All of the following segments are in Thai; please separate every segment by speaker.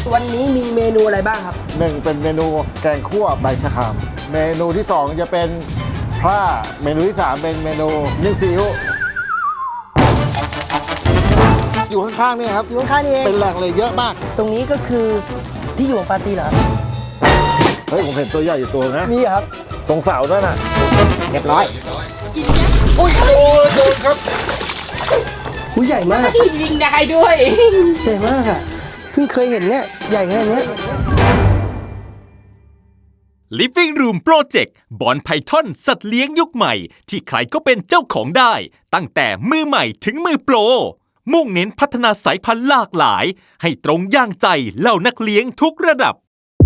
Speaker 1: วันนี้มีเมนูอะไรบ้างครับ
Speaker 2: หนึ่งเป็นเมนูแกงคั่วใบชะครามเมนูที่2จะเป็นพร่าเมนูที่3เป็นเมนูนึ่งซีอิ๊วอยู่ข้างๆนี่ครับ
Speaker 1: อยู่ข้างๆนี่เอง
Speaker 2: เป็นแหล่งเลยเยอะมาก
Speaker 1: ตรงนี้ก็คือที่อยู่ของปาร์ตี้เหรอ
Speaker 2: เฮ้ยผมเห็นตัวใหญ่อยู่ตัวนะ
Speaker 1: มีเหรอครับ
Speaker 2: ตรงเสาด้วยน่ะ
Speaker 3: เรียบร้อย
Speaker 2: อุ้ยโดนครับ
Speaker 1: หูใหญ่มาก
Speaker 3: ยิงได้ด้วย
Speaker 1: ใหญ่มากอ่ะเพิ่งเคยเห็นเนี่ยใหญ่ขนาดเนี้ย
Speaker 4: Living Room Project บอนไพทอนสัตว์เลี้ยงยุคใหม่ ที่ใครก็เป็นเจ้าของได้ ตั้งแต่มือใหม่ถึงมือโปร มุ่งเน้นพัฒนาสายพันธุ์หลากหลาย ให้ตรงย่างใจเหล่านักเลี้ยงทุกระดับ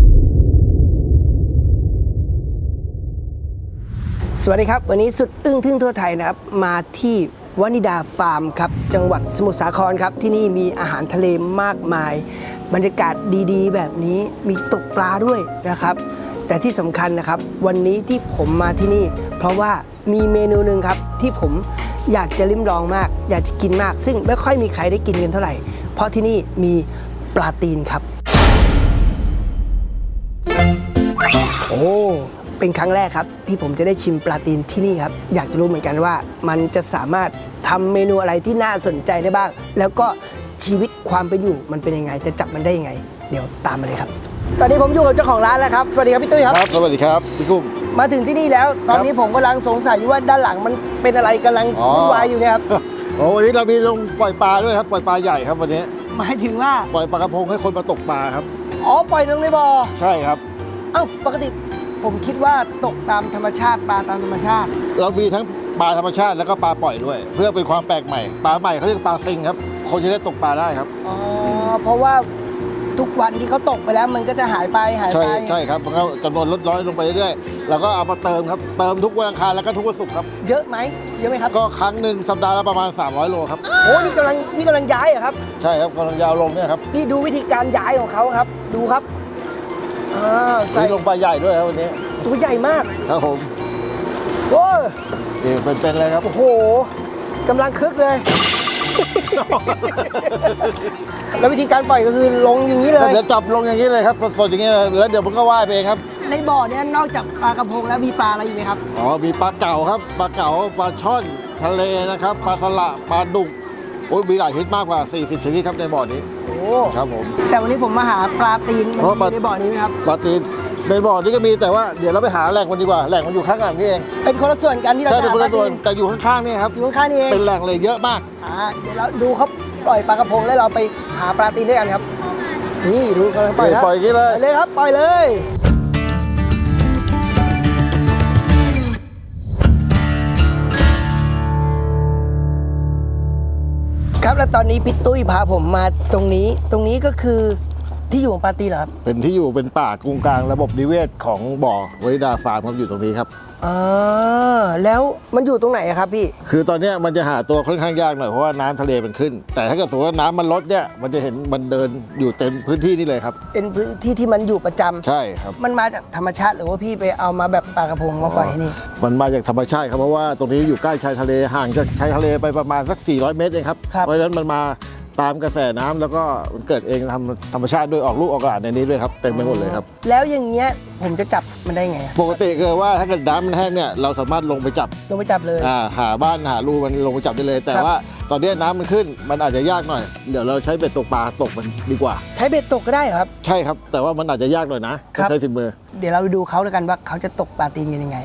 Speaker 1: สวัสดีครับ วันนี้สุดอึ้งทึ่งทั่วไทยนะครับ มาที่วนิดาฟาร์มครับ จังหวัดสมุทรสาครครับ ที่นี่มีอาหารทะเลมากมาย บรรยากาศดีๆ แบบนี้มีตกปลาด้วยนะครับ แต่ที่สำคัญนะครับ วันนี้ที่ผมมาที่นี่ เพราะว่ามีเมนูหนึ่งครับ ที่ผมอยากจะลิ้มลองมาก อยากจะกินมาก ซึ่งไม่ค่อยมีใครได้กินกันเท่าไหร่ เพราะที่นี่มีปลาตีนครับ โอ้ เป็นครั้งแรกครับที่ผมจะได้ชิมปลาตีนที่นี่ครับ อยากจะรู้เหมือนกันว่ามันจะสามารถทำเมนูอะไรที่น่าสนใจได้บ้าง แล้วก็ชีวิตความเป็นอยู่มันเป็นยังไง จะจับมันได้ยังไง เดี๋ยวตามมาเลยครับ ตอนนี้ผมอยู่กับเจ้าของร้านแล้วครับ สวัสดีครับพี่ตุ้ยครับ
Speaker 2: ครับสวัสดีครับพี่กุ้ง
Speaker 1: มาถึงที่นี่แล้ว ตอนนี้ผมกำลังสงสัยอยู่ว่าด้านหลังมันเป็นอะไรกำลังวุ่นวายอยู่เนี่ยครับ
Speaker 2: โอ้วันนี้เรามีลงปล่อยปลาด้วยครับปล่อยปลาใหญ่ครับวันนี้
Speaker 1: หมายถึงว่า
Speaker 2: ปล่อยปลากระพงให้คนมาตกปลาครับ
Speaker 1: อ๋อปล่อยลงในบ่อ
Speaker 2: ใช่ครับ
Speaker 1: เอ้าปกติผมคิดว่าตกตามธรรมชาติปลาตามธรรมชาติ
Speaker 2: เรามีทั้งปลาธรรมชาติแล้วก็ปลาปล่อยด้วย เพื่อเป็นความแปลกใหม่ปลาใหม่เขาเรียกปลาซิงครับคนจะได้ตกปลาได้ครับ
Speaker 1: อ๋อ เพราะว่าทุกวันที่เขาตกไปแล้วมันก็จะหายไป
Speaker 2: ใช่ครับมันก็จำนวนลดน้อยลงไปเรื่อยๆเราก็เอามาเติมครับเติมทุกวันอังคารแล้วก็ทุกวันศุกร์ครับ
Speaker 1: เยอะไหมเยอะไหมครับ
Speaker 2: ก็ครั้งหนึ่งสัปดาห์ละประมาณ300 โลครับ
Speaker 1: โอ้นี่กำลังย้ายเหรอครับ
Speaker 2: ใช่ครับกำลังยาวลงเนี่ยครับ
Speaker 1: นี่ดูวิธีการย้ายของเขาครับ ดูครับใส่
Speaker 2: นี่ลงปลาใหญ่ด้วยครับวันนี้
Speaker 1: ตัวใหญ่มาก
Speaker 2: ครับผม
Speaker 1: โอ้ย
Speaker 2: นี่เป็นเลยครับ
Speaker 1: โอ้โหกำลังคึกเลย แล้ววิธีการปล่อยก็คือลงอย่างนี้เลย
Speaker 2: เดี๋ยวจับลงอย่างนี้เลยครับสดๆอย่างนี้เลยแล้วเดี๋ยวมันก็ว่ายไปเองครับ
Speaker 1: ในบ่อเนี้ยนอกจากปลากระพงแล้วมีปลาอะไรอีกไหมครับ
Speaker 2: อ๋อมีปลาเก๋าครับปลาเก๋าปลาช่อนทะเลนะครับปลาสละปลาดุกโอ้ยมีหลายชนิดมากกว่า40ชนิดครับในบ่อนี้
Speaker 1: โอ้
Speaker 2: ครับผม
Speaker 1: แต่วันนี้ผมมาหาปลาตีนมัน
Speaker 2: เพราะ
Speaker 1: มี
Speaker 2: ปลา
Speaker 1: ในบ่อนี้ไหมครับ
Speaker 2: ปลาตีนในบ่อนี้ก็มีแต่ว่าเดี๋ยวเราไปหาแหล่งมันดีกว่าแหล่งมันอยู่ข้างหลังนี่เอง
Speaker 1: เป็นคนละส่วนกันที่เรา
Speaker 2: ใช่
Speaker 1: จะ
Speaker 2: เป็น
Speaker 1: หา
Speaker 2: คน
Speaker 1: ปลา
Speaker 2: ละส่ว
Speaker 1: ตี
Speaker 2: น
Speaker 1: น
Speaker 2: แต่อยู่ข้างๆนี่ครับ
Speaker 1: อยู่ข้างๆนี่เอง
Speaker 2: เป็นแหล่งเลยเยอะมาก
Speaker 1: เดี๋ยวเราดูเขาปล่อยปลากระพงแล้วเราไปหาปลาตีนด้วยกันครับ นี่ดูเขาปล่อยแล้ว
Speaker 2: ปล่อยอย่างนี้เลย
Speaker 1: ปล่อยเลยครับปล่อยเลย ครับแล้วตอนนี้พี่ตุ้ยพาผมมาตรงนี้ก็คือที่อยู่ของปลาตีนเหรอครับ
Speaker 2: เป็นที่อยู่เป็นป่ากงกลางระบบนิเวศของบ่อวนิดาฟาร์มครับอยู่ตรงนี้ครับ
Speaker 1: แล้วมันอยู่ตรงไหนอะครับพี่
Speaker 2: คือตอนเนี้ยมันจะหาตัวค่อนข้างยากหน่อยเพราะว่าน้ำทะเลมันขึ้น แต่ถ้าเกิดสมมติว่าน้ำมันลดเนี่ยมันจะเห็นมันเดินอยู่เต็มพื้นที่นี่เลยครับ
Speaker 1: เป็นพื้นที่ที่มันอยู่ประจำ
Speaker 2: ใช่ครับ
Speaker 1: มันมาจากธรรมชาติหรือว่าพี่ไปเอามาแบบปลากระพงมาปล่อยที่นี่
Speaker 2: มันมาจากธรรมชาติครับเพราะว่าตรงนี้อยู่ใกล้ชายทะเลห่างจากชายทะเลไปประมาณสัก400 เมตรเองครับ
Speaker 1: ครับ
Speaker 2: เพราะฉะนั้นมันมาตามกระแสน้ำแล้วก็มันเกิดเองธรรมชาติด้วยออกลูกออกหลานในนี้ด้วยครับเต็มไปหมดเลยครับ
Speaker 1: แล้วอย่างเงี้ยผมจะจับมันได้ไงอะ
Speaker 2: ปกติคือว่าถ้าเกิดน้ำมันแห้งเนี่ยเราสามารถลงไปจับ
Speaker 1: ลงไปจับเลย
Speaker 2: หาบ้านหารูมันลงไปจับได้เลย แต่
Speaker 1: ครับ
Speaker 2: ว่าตอนนี้น้ำมันขึ้นมันอาจจะยากหน่อยเดี๋ยวเราใช้เบ็ดตกปลาตกมันดีกว่า
Speaker 1: ใช้เบ็ดตกก็ได้เหรอครับ
Speaker 2: ใช่ครับ แต่ว่ามันอาจจะยากหน่อยนะ
Speaker 1: ครั
Speaker 2: ต้อง
Speaker 1: บ
Speaker 2: ใช้ฝีมือ
Speaker 1: เดี๋ยวเราไปดูเขาแล้วกันว่าเขาจะตกปลาตีนกันยังไง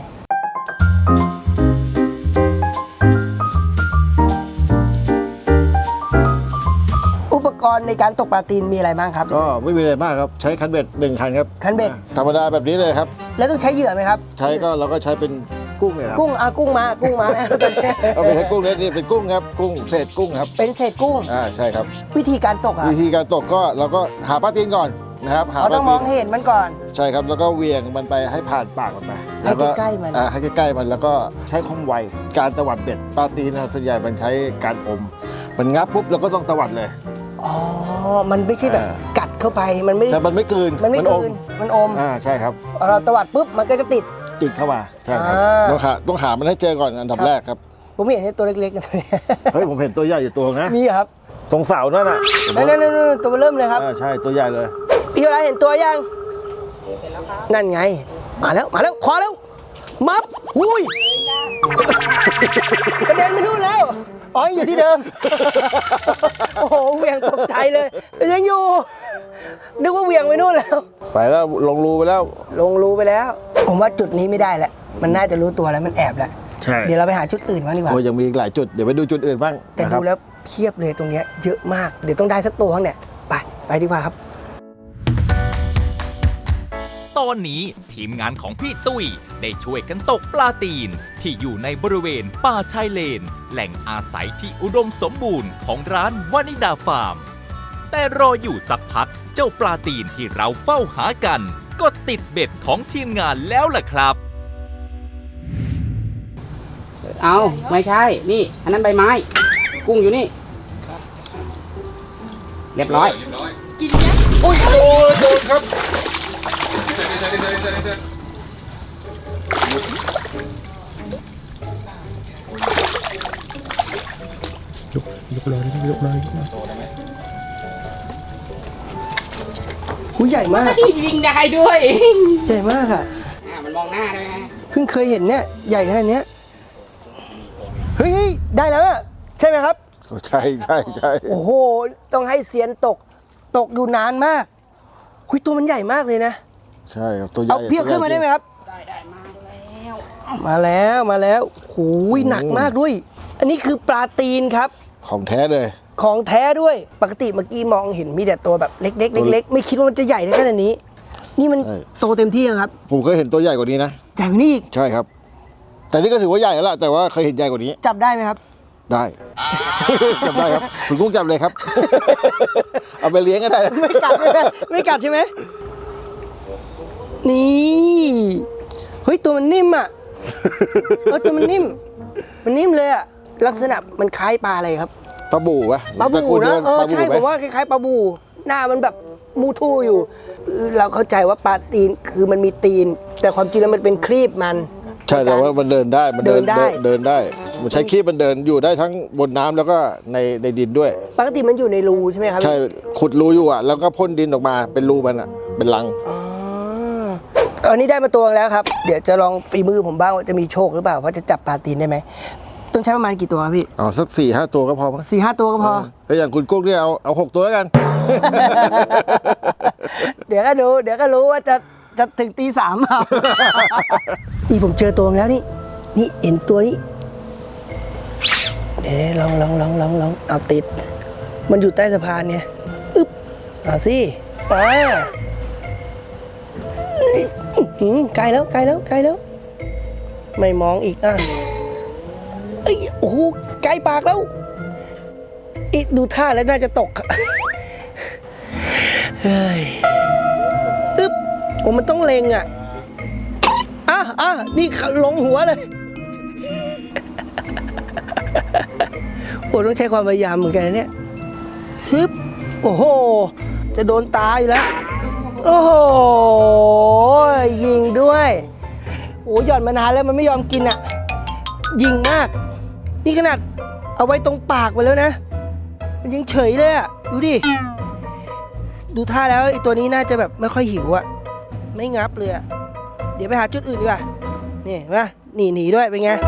Speaker 1: อุปกรณ์ในการตกปลาตีนมีอะไรบ้างครับ
Speaker 2: ก็ไม่มีอะไรมากครับใช้คันเบ็ด1 คันครับ
Speaker 1: คันเบ็ด
Speaker 2: ธรรมดาแบบนี้เลยครับ
Speaker 1: แล้วต้องใช้เหยื่อไหมครับ
Speaker 2: ใช้ก็เราก็ใช้เป็นกุ้งเนี่ยครับ
Speaker 1: กุ้งกุ้งมานะ
Speaker 2: เอาไปใช้กุ้งเนี่ยนี่เป็นกุ้งครับกุ้งเศษกุ้งครับ
Speaker 1: เป็นเศษกุ้ง
Speaker 2: ใช่ครับ
Speaker 1: วิธีการตกอะ
Speaker 2: วิธีการตกก็เราก็หาปลาตีนก่อนนะครับหา
Speaker 1: เรา
Speaker 2: ปลา
Speaker 1: ต้องม
Speaker 2: ตี
Speaker 1: อง
Speaker 2: น
Speaker 1: ให้เห็นมันก่อน
Speaker 2: ใช่ครับแล้วก็เหวียงมันไปให้ผ่านปากมันไป
Speaker 1: ให้
Speaker 2: แล้ว
Speaker 1: ใกล้ๆมัน
Speaker 2: ให้ใกล้ๆมันแล้วก็ใช้ความไวการตวัดเบ็ดปลาตีนนะส่วนใหญ่มันใช้การอมมันงับปุ๊บเราก็ต้องตวัดเลย
Speaker 1: อ๋อ มันไม่ใช่แบบ
Speaker 2: อ่า
Speaker 1: กัดเข้าไป มันไม่ได้
Speaker 2: แต่มันไม่กลืน
Speaker 1: มันไม่
Speaker 2: อ
Speaker 1: กลื
Speaker 2: ม
Speaker 1: นมันอม
Speaker 2: ใช่ครับ
Speaker 1: เราตวัดปุ๊บมันก็จะติด
Speaker 2: ติดเข้ามาใช่ครับ ต้องหามันให้เจอก่อนอันดับ
Speaker 1: ครับ
Speaker 2: แรกครับ
Speaker 1: ผมเห็นไอ้ตัวเล็กๆกันตัวเนี้ย
Speaker 2: เฮ้ยผมเห็นตัวใหญ่อยู่ตัวนะ
Speaker 1: มีเหรอครับ
Speaker 2: ตรงเสานั่นน่ะ
Speaker 1: นั่นตัวเริ่มเลยครับ
Speaker 2: ใช่ตัวใหญ่เลย
Speaker 1: พี่อะไรเห็นตัวยังนั่นไงมาแล้วขวาแล้วมับหุ้ยกระเด็นไปนู่นแล้วอ๋ออยู่ที่เดิมโอ้โหเหวี่ยงตกใจเลยยังอยู่นึกว่าเหวี่ยงไปนู่นแล้ว
Speaker 2: ไปแล้วลงรูไปแล้ว
Speaker 1: ลงรูไปแล้ว ผมว่าจุดนี้ไม่ได้แล้วมันน่าจะรู้ตัวแล้วมันแอบแล้ว
Speaker 2: ใช่
Speaker 1: เดี๋ยวเราไปหาจุดอื่นบ้างดีกว่า
Speaker 2: โอ้ยังมีอีกหลายจุดเดี๋ยวไปดูจุดอื่นบ้าง
Speaker 1: แต่
Speaker 2: นะครับ
Speaker 1: ดูแล้วเพียบเลยตรงเนี้ยเยอะมากเดี๋ยวต้องได้สักตัวข้างเนี่ยไปดีกว่าครับ
Speaker 4: ตอนนี้ทีมงานของพี่ตุ้ยได้ช่วยกันตกปลาตีนที่อยู่ในบริเวณป่าชายเลน แหล่งอาศัยที่อุดมสมบูรณ์ของร้านวานิดาฟาร์ม แต่รออยู่สักพักเจ้าปลาตีนที่เราเฝ้าหากัน ก็ติดเบ็ดของทีมงานแล้วล่ะครับ
Speaker 3: เอาไม่ใช่ นี่ อันนั้นใบไม้ กุ้งอยู่นี่ เรียบร้อย
Speaker 2: โอ้ยโดนครับ
Speaker 1: หูใหญ่มาก
Speaker 3: ยิงได้ด้วย
Speaker 1: ใหญ่มากอ่ะ
Speaker 3: มันมองหน้าได้ไหม
Speaker 1: เพิ่งเคยเห็นเนี่ยใหญ่ขนาดเนี้ยเฮ้ยได้แล้วอะใช่ไหมครับ
Speaker 2: ใช่
Speaker 1: โอ้โหต้องให้เซียนตกอยู่นานมากคุยตัวมันใหญ่มากเลยนะ
Speaker 2: ใช่ครับตัวใหญ่
Speaker 1: เอาพี่เอาขึ้นมาได้ไหมครับ
Speaker 3: ได้มาแล้ว
Speaker 1: มาแล้วโอ้ยหนักมากด้วย อันนี้คือปลาตีนครับ
Speaker 2: ของแท้เลย
Speaker 1: ของแท้ด้วยปกติเมื่อกี้มองเห็นมีแต่ตัวแบบเล็กๆเล็กๆไม่คิดว่ามันจะใหญ่ได้ขนาดนี้ นี่มัน
Speaker 2: ใช่
Speaker 1: โตเต็มที่ยังครับ
Speaker 2: ผมเคยเห็นตัวใหญ่กว่านี้นะ
Speaker 1: ใหญ่กว่านี้อีก
Speaker 2: ใช่ครับ แต่นี่ก็ถือว่าใหญ่แล้วล่ะแต่ว่าเคยเห็นใหญ่กว่านี้
Speaker 1: จับได้ไหมครับ
Speaker 2: ได้ จับได้ครับคุณกุ้งจับเลยครับ เอาไปเลี้ยงก็ได้นะ
Speaker 1: ไม่กัดใช่ไหมไม่กัดใช่ไหมนี่เฮ้ยตัวมันนิ่มอ่ะตัวมันนิ่มเลยอ่ะลักษณะมันคล้ายปลาอะไรครับ
Speaker 2: ปลาบู่ปะ
Speaker 1: ปลาบู
Speaker 2: ตรกูล
Speaker 1: นะ
Speaker 2: เดียว ปลาบู่
Speaker 1: ใช่
Speaker 2: ไหม
Speaker 1: ผมว่าคล้ายๆปลาบูหน้ามันแบบมูทู่อยู่เราเข้าใจว่าปลาตีนคือมันมีตีน แต่ความจริงแล้วมันเป็นครีบมัน
Speaker 2: ใช่แต่ว่ามันเดินได้มัน
Speaker 1: เดินได้
Speaker 2: เดินได้มันใช้ขี้มันเดินอยู่ได้ทั้งบนน้ำแล้วก็ในดินด้วย
Speaker 1: ปกติมันอยู่ในรูใช่ไหมครับ
Speaker 2: ใช่ขุดรูอยู่อ่ะแล้วก็พ่นดินออกมาเป็นรูมันอ่ะเป็นรัง
Speaker 1: อ๋ออันนี้ได้มาตัวแล้วครับ เดี๋ยวจะลองฝีมือผมบ้างว่าจะมีโชคหรือเปล่าว่าจะจับปลาตีนได้ไหมต้องใช้ประมาณกี่ตัวครับพี่
Speaker 2: เอาสัก4-5 ตัวก็พอมั้ง
Speaker 1: 4-5 ตัวก็พอ
Speaker 2: ถ้าอย่างคุณกุ้งเนี่ยเอา6 ตัวแล้วกัน
Speaker 1: เดี๋ยวก็รู้ว่าจะถึงตี 3เปล่า นี่ผมเจอตัวแล้วนี่เห็นตัวนี้เดี๋ยวลองเอาติด มันอยู่ใต้สะพานเนี่ยอึ๊บเอาสิไกลแล้วไม่มองอีกเอ้ยโอ้โหไกลปากแล้วอีกดูท่าแล้วน่าจะตกเฮ้ยอึ๊บโอ้มันต้องเล็งอ่ะนี่ลงหัวเลยโอ้ต้องใช้ความพยายามเหมือนกันนะเนี่ยฮึบโอ้โหจะโดนตาอยู่แล้วโอ้โหยิงด้วยโอ้หย่อนมานานแล้วมันไม่ยอมกินอ่ะยิงมากนี่ขนาดเอาไว้ตรงปากไปแล้วนะมันยังเฉยเลยอ่ะดูดิดูท่าแล้วไอ้ตัวนี้น่าจะแบบไม่ค่อยหิวอ่ะไม่งับเลยอ่ะเดี๋ยวไปหาจุดอื่นดีกว่านี่เห็นปะหนีด้วยเป็นไง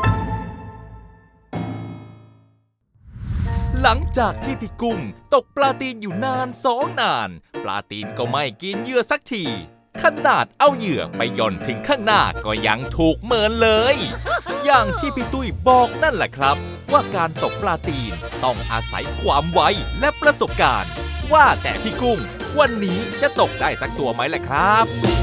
Speaker 4: หลังจากที่พี่กุ้งตกปลาตีนอยู่นาน2 นาน ปลาตีนก็ไม่กินเหยื่อสักที ขนาดเอาเหยื่อไปหย่อนถึงข้างหน้าก็ยังถูกเมินเลย อย่างที่พี่ตุ้ยบอกนั่นแหละครับ ว่าการตกปลาตีนต้องอาศัยความไวและประสบการณ์ ว่าแต่พี่กุ้งวันนี้จะตกได้สักตัวไหมล่ะครับ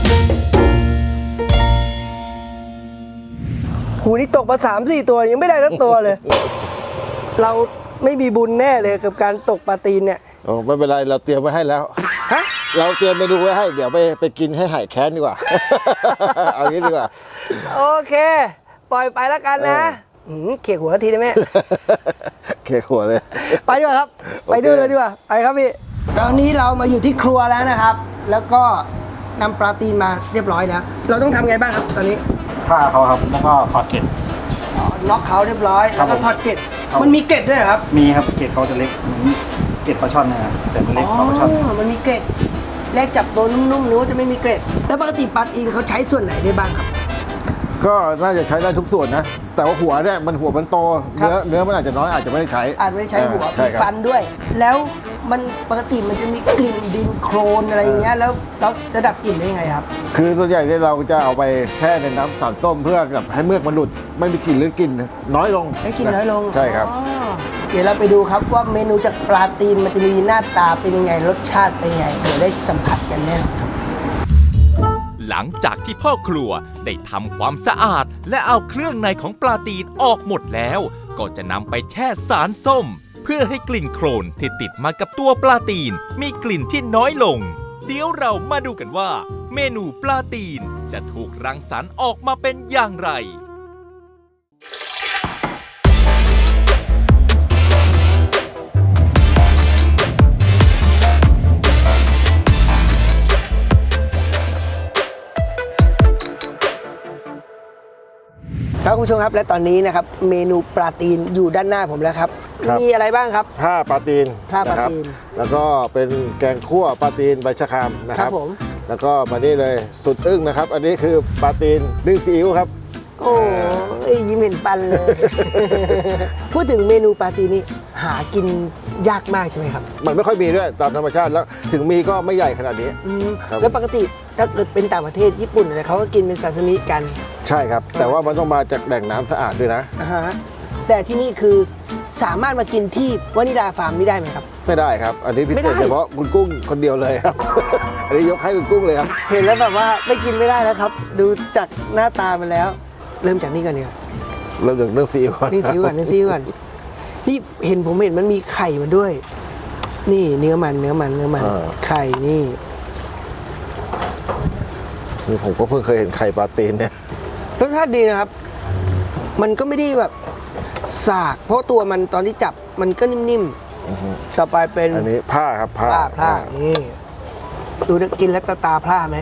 Speaker 1: หูนี่ตกมา3-4 ตัวยังไม่ได้สักตัวเลย เราไม่มีบุญแน่เลยกับการตกปลาตีนเนี่ย
Speaker 2: โอ้ไม่เป็นไรเราเตรียมไว้ให้แล้ว
Speaker 1: ฮะ
Speaker 2: เราเตรียมเมนูไว้ให้เดี๋ยวไปกินให้หายแค้นดีกว่า เอางี้ดีกว่า
Speaker 1: โอเค ปล่อยไปแล้วกันนะเขี่ยหัวทีได้ไหม
Speaker 2: เคหัวเลย
Speaker 1: ไปดีกว่าครับ
Speaker 2: โอเค
Speaker 1: ไปดูเลยดีกว่าไปครับพี่ตอนนี้เรามาอยู่ที่ครัวแล้วนะครับ แล้วก็นำปลาตีนมาเรียบร้อยแล้ว เราต้องทำไงบ้างครับตอนนี้
Speaker 5: ฆ่าเขาครับ แล้วก็ถอดเกล็ด
Speaker 1: ล็อกเขาเรียบร้อย
Speaker 5: ครั
Speaker 1: แล้ว
Speaker 5: บ
Speaker 1: ก็ทอดเกล็ด
Speaker 5: ครับ
Speaker 1: มันมีเกล็ดด้วยเหรอครับ
Speaker 5: มีครับเกล็ดเขาจะเล็กเหมือนเกล็ดปลาช่อนนะครับแต่มันเล็กกว่าปลาช่อน
Speaker 1: มันมีเกล็ดแรกจับตัวนุ่มๆนึกว่าจะไม่มีเกล็ดแล้วปกติปลาตีนเขาใช้ส่วนไหนได้บ้างครับ
Speaker 2: ก็น่าจะใช้ได้ทุกส่วนนะ แต่ว่าหัวเนี่ยมันหัวมันโต
Speaker 1: ครับ
Speaker 2: เนื้อมันอาจจะน้อยอาจจะไม่ได้ใช้
Speaker 1: อาจไม่ได้ใช้หัว
Speaker 2: ใช่
Speaker 1: มี
Speaker 2: ครับ
Speaker 1: ฟันด้วย แล้วมันปกติมันจะมีกลิ่นดินโคลนอะไรอย่างเงี้ยแล้วเราจะดับกลิ่นได้ยังไงครับ
Speaker 2: คือส่วนใหญ่เนี่ยเราจะเอาไปแช่ในน้ำสารส้มเพื่อแบบให้เมือกมันหลุดไม่มีกลิ่นหรือกลิ่นน้อยลง
Speaker 1: ได้กลิ่นน้อยลง
Speaker 2: ใช่ครับ
Speaker 1: อ๋อเดี๋ยวเราไปดูครับว่าเมนูจากปลาตีนมันจะมีหน้าตาเป็นยังไงรสชาติเป็นยังไงเดี๋ยวได้สัมผัสกันแน่ครับ
Speaker 4: หลังจากที่พ่อครัวได้ทำความสะอาดและเอาเครื่องในของปลาตีนออกหมดแล้ว ก็จะนำไปแช่สารส้ม เพื่อให้กลิ่นโคลนที่ติดมากับตัวปลาตีนมีกลิ่นที่น้อยลง เดี๋ยวเรามาดูกันว่า เมนูปลาตีนจะถูกรังสรรค์ออกมาเป็นอย่างไร
Speaker 1: ครับคุณผู้ชมครับและตอนนี้นะครับเมนูปลาตีนอยู่ด้านหน้าผมแล้วครับ
Speaker 2: ครับ
Speaker 1: มีอะไรบ้างครับ
Speaker 2: ผ้าปลาตีน
Speaker 1: ผ้าปลา
Speaker 2: นะครับ
Speaker 1: ตีน
Speaker 2: แล้วก็เป็นแกงคั่วปลาตีนใบชะครามนะค
Speaker 1: ครั
Speaker 2: รั
Speaker 1: บบ ผม
Speaker 2: แล้วก็มานี่เลยสุดอึ้งนะครับ อันนี้คือปลาตีนนึ่งซีอิ๊วครับ
Speaker 1: โอ้ยยิ้มเห็นฟันเลย พูดถึงเมนูปลาตีนนี่หากินยากมากใช่ไหมครับ
Speaker 2: มันไม่ค่อยมีด้วยตามธรรมชาติแล้วถึงมีก็ไม่ใหญ่ขนาดนี้
Speaker 1: อืม
Speaker 2: ครับ
Speaker 1: แล้วปกติถ้าเกิดเป็นต่างประเทศญี่ปุ่นอะไรเขาก็กินเป็นซาซิมิกัน
Speaker 2: ใช่ครับ แต่ว่ามันต้องมาจากแหล่งน้ำสะอาดด้วยนะ
Speaker 1: อ่าฮะแต่ที่นี่คือสามารถมากินที่วานิดาฟาร์มนี่ได้ไหมครับ
Speaker 2: ไม่ได้ครับ อันนี้พิ
Speaker 1: ไม่
Speaker 2: เศ
Speaker 1: ได้
Speaker 2: ษเฉพาะคุณกุ้งคนเดียวเลยครับ อันนี้ยกให้คุณกุ้งเลยครับ
Speaker 1: เห็นแล้วแบบว่าไม่กินไม่ได้แล้วครับ ดูจากหน้าตามันแล้ว เริ่มจากนี่ก่อนดีกว่า
Speaker 2: เริ่มจากเรื่องซีอิ๊วก่อน
Speaker 1: นี่ซิวก่อนนี่ซิวก่อนนี่ผมเห็นมันมีไข่มันด้วย นี่เนื้อมันไข่นี่
Speaker 2: นี่ผมก็เพิ่งเคยเห็นไข่ปลาตีนเนี่ย
Speaker 1: รสชาติดีนะครับ มันก็ไม่ได้แบบสาก เพราะตัวมันตอนที่จับมันก็นิ่มๆต่อไปเป็น
Speaker 2: อันนี้ผ้าครับผ้า
Speaker 1: พร่านี่ดูนะกินแล้วตาพร่าไหม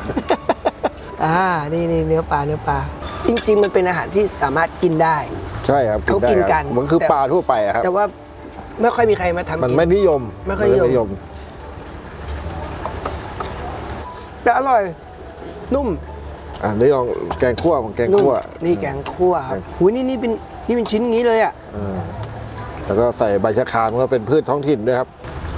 Speaker 1: นี่เนื้อปลาจริงๆมันเป็นอาหารที่สามารถกินได้
Speaker 2: ใช่ครับ
Speaker 1: เขากินกัน
Speaker 2: มันคือปลาทั่วไปอะครับ
Speaker 1: แต่ว่าไม่ค่อยมีใครมาทำ
Speaker 2: มัน
Speaker 1: กิน
Speaker 2: ไม่นิยม
Speaker 1: ไม่ค่อยนิยม แต่อร่อย นุ่ม
Speaker 2: อ่ะนี่ลองแกงคั่วของแกง
Speaker 1: นุ่ม
Speaker 2: คั่ว
Speaker 1: นี่แกงคั่วครับหูยนี่เป็นชิ้นอย่างนี้เลยอ่ะ
Speaker 2: แล้วก็ใส่ใบชะครามก็เป็นพืชท้องถิ่นด้วยครับ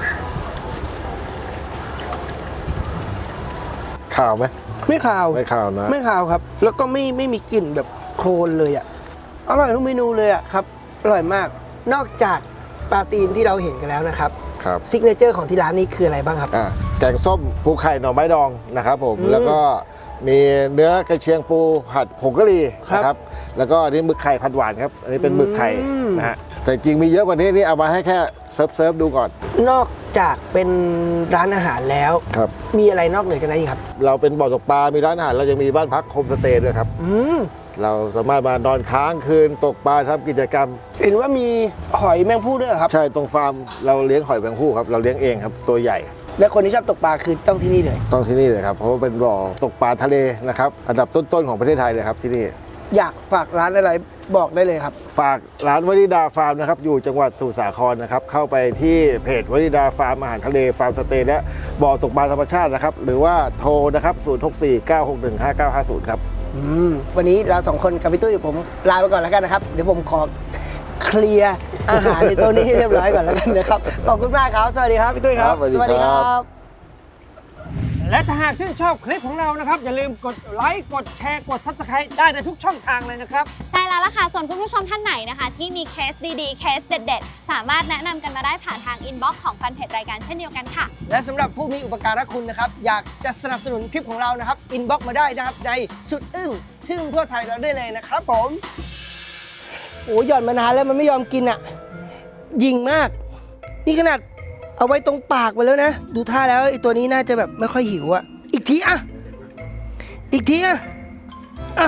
Speaker 2: ข่าวไหม
Speaker 1: ไม่ขาว
Speaker 2: ไม่ข่าวนะ
Speaker 1: ไม่ขาวครับ แล้วก็ไม่มีกลิ่นแบบโคลนเลยอ่ะอร่อยทุกเมนูเลยอ่ะครับอร่อยมาก นอกจากปลาตีนที่เราเห็นกันแล้วนะครับ
Speaker 2: ครับ
Speaker 1: ซิกเนเจอร์ของที่ร้านนี้คืออะไรบ้างครับ
Speaker 2: แกงส้มปูไข่หน่อไม้ดองนะครับผมแล้วก็มีเนื้อกระเชียงปูผัดผงกะหรี่
Speaker 1: ครับ
Speaker 2: นะครับแล้วก็อันนี้หมึกไข่ผัดหวานครับอันนี้เป็นหมึกไข่
Speaker 1: อืม
Speaker 2: นะฮะแต่จริงมีเยอะกว่านี้นี่เอามาให้แค่เซิร์ฟดูก่อน
Speaker 1: นอกจากเป็นร้านอาหารแล้ว
Speaker 2: ครับ
Speaker 1: มีอะไรนอกเหนือจากนั้นอีกครับ
Speaker 2: เราเป็นบ่อตกปลา มีร้านอาหารเรายังมีบ้านพักโฮมสเตย์ด้วยครับ
Speaker 1: อืม
Speaker 2: เราสามารถมานอนค้างคืนตกปลาทำกิจกรรม
Speaker 1: เห็นว่ามีหอยแมงผู้ด้วยเหรอครับ
Speaker 2: ใช่ตรงฟาร์มเราเลี้ยงหอยแมงภู่ครับเราเลี้ยงเองครับตัวใหญ่
Speaker 1: และคนที่ชอบตกปลาคือต้องที่นี่เลย
Speaker 2: ต้องที่นี่เลยครับเพราะว่าเป็นบ่อตกปลาทะเลนะครับอันดับต้นๆของประเทศไทยเลยครับที่นี่
Speaker 1: อยากฝากร้านอะไรบอกได้เลยครับ
Speaker 2: ฝากร้านวนิดาฟาร์มนะครับอยู่จังหวัดสมุทรสาครนะครับเข้าไปที่เพจวนิดาฟาร์มอาหารทะเลฟาร์มสเตย์และบ่อตกปลาธรรมชาตินะครับหรือว่าโทรนะครับ0649615950ครับ
Speaker 1: วันนี้เราสองคนกับพี่ตุ้ยผมลาไปก่อนแล้วกันนะครับ เดี๋ยวผมขอเคลียร์อาหารในตัวนี้ให้เรียบร้อยก่อนแล้วกันนะครับ ขอบคุณมากครับ สวัสดีครับพี่ตุ้ยครับ
Speaker 2: ครับสวัสดีครับ
Speaker 6: และถ้าหากชื่นชอบคลิปของเรานะครับ อย่าลืมกดไลค์กดแชร์กด Subscribe ได้ในทุกช่องทางเลยนะครับ
Speaker 7: ใช่แล้วล่ะค่ะส่วนคุณผู้ชมท่านไหนนะคะ ที่มีเคสดีๆ เคสเด็ดๆ สามารถแนะนำกันมาได้ผ่านทางอินบ็อกซ์ของแฟนเพจรายการเช่นเดียวกันค่ะ
Speaker 1: และสำหรับผู้มีอุปการะคุณนะครับ อยากจะสนับสนุนคลิปของเรานะครับ อินบ็อกมาได้นะครับในสุดอึ้งทึ่งทั่วไทยเราได้เลยนะครับผมโอ้หย่อนมานานแล้วมันไม่ยอมกินอ่ะ ยิงมาก นี่ขนาดเอาไว้ตรงปากไปแล้วนะ ดูท่าแล้วไอ้ตัวนี้น่าจะแบบไม่ค่อยหิวอ่ะ อีกทีอ่ะ อีกทีอ่ะอ่ะ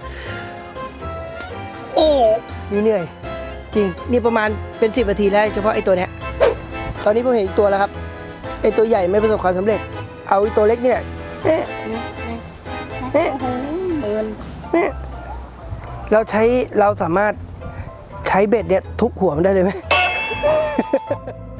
Speaker 1: โอ้มีเหนื่อย จริง นี่ประมาณเป็น10 นาทีแล้วเฉพาะไอ้ตัวเนี้ย ตอนนี้ผมเห็นอีกตัวแล้วครับ ไอ้ตัวใหญ่ไม่ประสบความสำเร็จ เอาไอ้ตัวเล็กเนี่ยเอ๊ะเอ๊ะเอ๊ะเราสามารถใช้เบ็ดเนี่ยทุบหัวมันได้เลยไหม